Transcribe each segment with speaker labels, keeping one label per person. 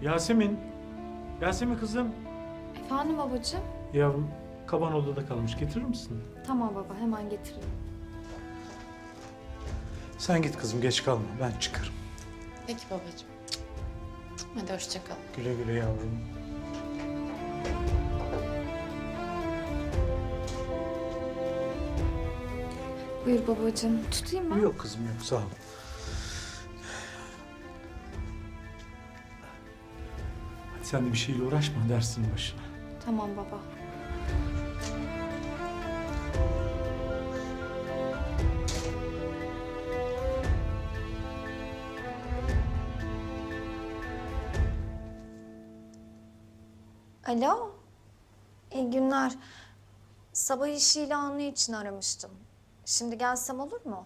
Speaker 1: Yasemin. Yasemin kızım.
Speaker 2: Efendim babacığım?
Speaker 1: Yavrum kaban odada kalmış. Getirir misin?
Speaker 2: Tamam baba, hemen getiririm.
Speaker 1: Sen git kızım, geç kalma. Ben çıkarım.
Speaker 3: Peki babacığım. Hadi hoşça kal.
Speaker 1: Güle güle yavrum.
Speaker 2: Buyur babacığım. Tutayım mı?
Speaker 1: Yok kızım yok, sağ ol. Hadi sen de bir şeyle uğraşma, dersinin başına.
Speaker 2: Tamam baba.
Speaker 4: Alo, iyi günler. Sabah iş ilanı için aramıştım. Şimdi gelsem olur mu?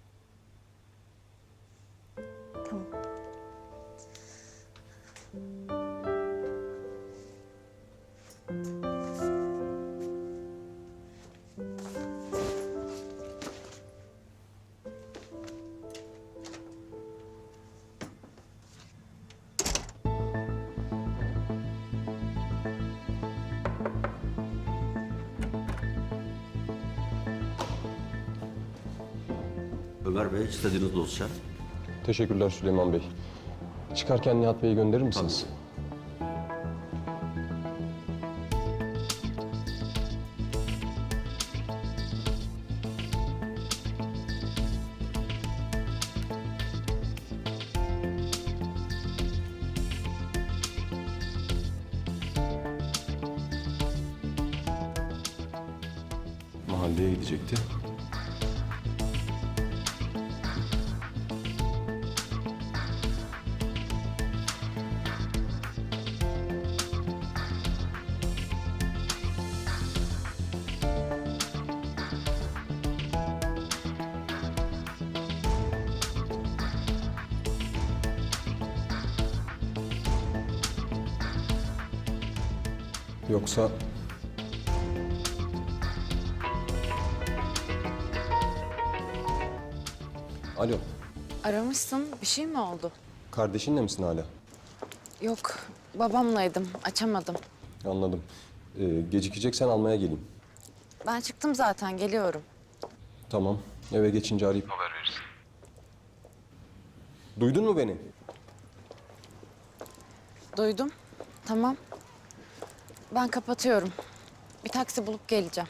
Speaker 4: Tamam.
Speaker 5: Ömer Bey, istediğiniz dosya.
Speaker 6: Teşekkürler Süleyman Bey. Çıkarken Nihat Bey'i gönderir misiniz? Mahalleye gidecekti. Yoksa... Alo,
Speaker 3: Aramışsın. Bir şey mi oldu?
Speaker 6: kardeşinle misin hala?
Speaker 3: Yok. Babamlaydım. Açamadım.
Speaker 6: Anladım. Gecikeceksen almaya geleyim.
Speaker 3: Ben çıktım zaten. Geliyorum.
Speaker 6: Tamam, eve geçince arayıp haber verirsin. Duydun mu beni?
Speaker 3: Duydum. Tamam. Ben kapatıyorum. Bir taksi bulup geleceğim.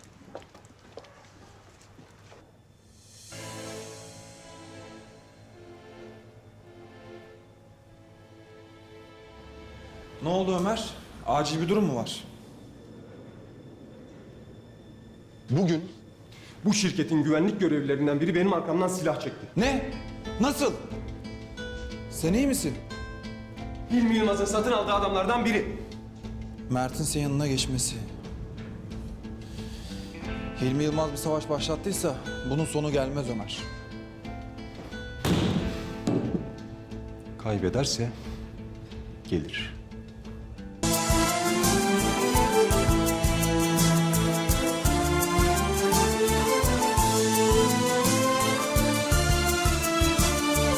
Speaker 7: Ne oldu Ömer? Acil bir durum mu var?
Speaker 6: Bugün bu şirketin güvenlik görevlilerinden biri benim arkamdan silah çekti.
Speaker 7: Ne? Nasıl? Sen iyi misin?
Speaker 6: Hilmi Yılmaz'ın satın aldığı adamlardan biri.
Speaker 7: Mert'in senin yanına geçmesi. Hilmi Yılmaz bir savaş başlattıysa bunun sonu gelmez Ömer.
Speaker 6: Kaybederse gelir.